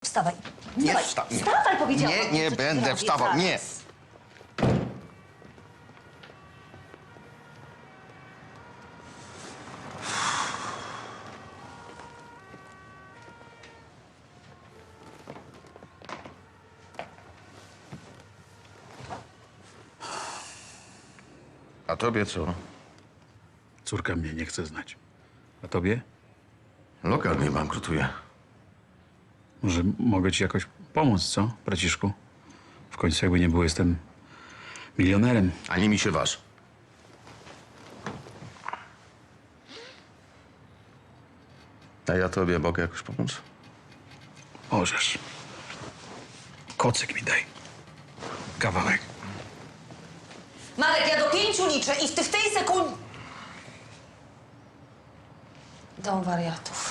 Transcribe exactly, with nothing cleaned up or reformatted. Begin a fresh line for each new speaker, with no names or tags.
Wstawaj.
Nie
Wstawaj,
wsta- nie.
Wstawaj, powiedziałam.
Nie, nie
Co ci
będę
robię
wstawał, nie.
zaraz?
A tobie co?
Córka mnie nie chce znać. A tobie?
Lokal mi bankrutuje.
Może mogę ci jakoś pomóc, co, braciszku? W końcu jakby nie było, jestem milionerem.
Ani mi się waż. A ja tobie mogę jakoś pomóc?
Możesz. Kocyk mi daj. Kawałek.
Marek, ja do pięciu liczę i w, ty, w tej sekundzie... Dom wariatów.